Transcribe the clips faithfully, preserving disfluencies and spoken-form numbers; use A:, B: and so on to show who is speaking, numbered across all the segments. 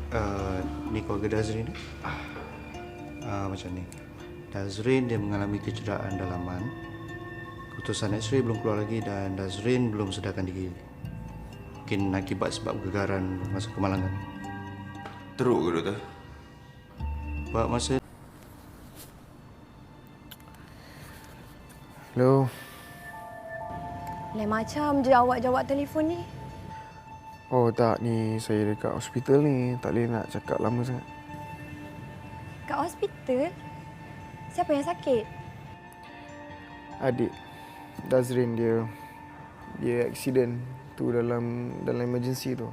A: Uh, ni keluarga Dazrin ni. Uh, macam ni. Dazrin dia mengalami kecederaan dalaman. Keputusan X-ray belum keluar lagi dan Dazrin belum sedarkan diri. Mungkin akibat sebab gegaran masa kemalangan.
B: Teruk ke doktor?
A: Sebab masa...
C: Hello.
D: Lain macam je awak jawab telefon ni.
C: Oh tak, ni saya dekat hospital ni. Tak boleh nak cakap lama sangat.
D: Kat hospital? Siapa yang sakit?
C: Adik Dazrin, dia dia accident tu dalam dalam emergency tu.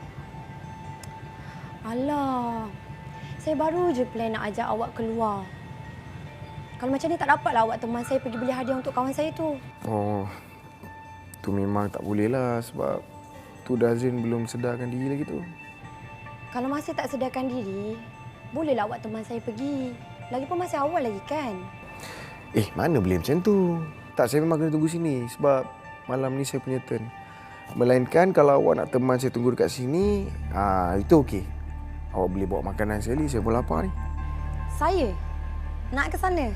D: Alah, saya baru je plan nak ajak awak keluar. Kalau macam ni tak dapatlah awak teman saya pergi beli hadiah untuk kawan saya tu.
C: Oh, tu memang tak boleh lah sebab tu Dazrin belum sedarkan diri lagi tu.
D: Kalau masih tak sedarkan diri, bolehlah awak teman saya pergi. Lagipun masih awal lagi kan?
C: Eh, mana boleh macam tu? Tak, saya memang kena tunggu sini sebab malam ni saya punya turn. Melainkan kalau awak nak teman saya tunggu dekat sini, ah itu okey. Awak boleh bawa makanan sekali, saya pun lapar ni.
D: Saya? Nak ke sana?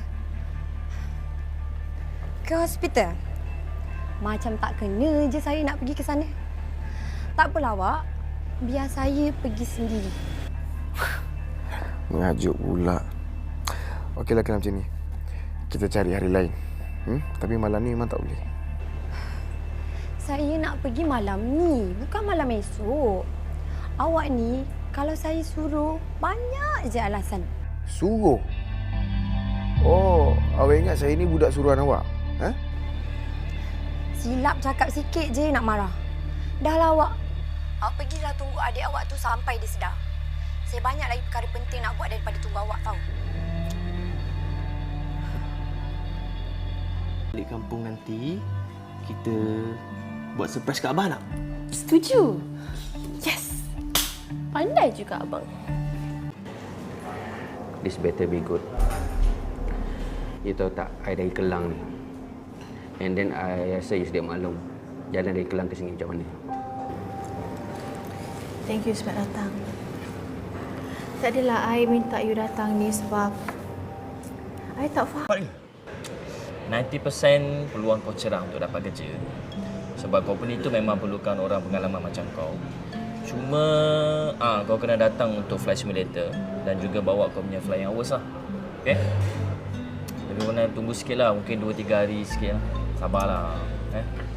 D: Ke hospital? Macam tak kena je saya nak pergi ke sana. Tak apalah awak, biar saya pergi sendiri.
C: Mengajuk pula. Okeylah kena macam ni. Kita cari hari lain. Hmm? Tapi malam ni memang tak boleh.
D: Saya nak pergi malam ni, bukan malam esok. Awak ni, kalau saya suruh, banyak je alasan.
C: Suruh? Oh, awak ingat saya ni budak suruhan awak? Ha?
D: Silap cakap sikit je nak marah. Dah lah awak. Awak pergilah tunggu adik awak tu sampai dia sedar. Saya banyak lagi perkara penting nak buat daripada tunggu awak tahu.
E: Balik kampung nanti, kita buat surprise kat abang tak?
F: Setuju. Yes. Pandai juga abang.
G: This better be good. You tahu tak, I dari Kelang ni. And then I rasa you sedia maklum jalan dari Kelang ke sini macam mana.
F: Thank you sebab datang. Tak adalah I minta you datang ni sebab I tak faham.
H: sembilan puluh peratus peluang kau cerah untuk dapat kerja. Sebab company tu memang perlukan orang pengalaman macam kau. Cuma ah kau kena datang untuk flight simulator dan juga bawa kau punya flying hours lah. Okay? Lebih mana tunggu sikit lah, mungkin dua tiga hari sikit lah. Sabarlah. Eh?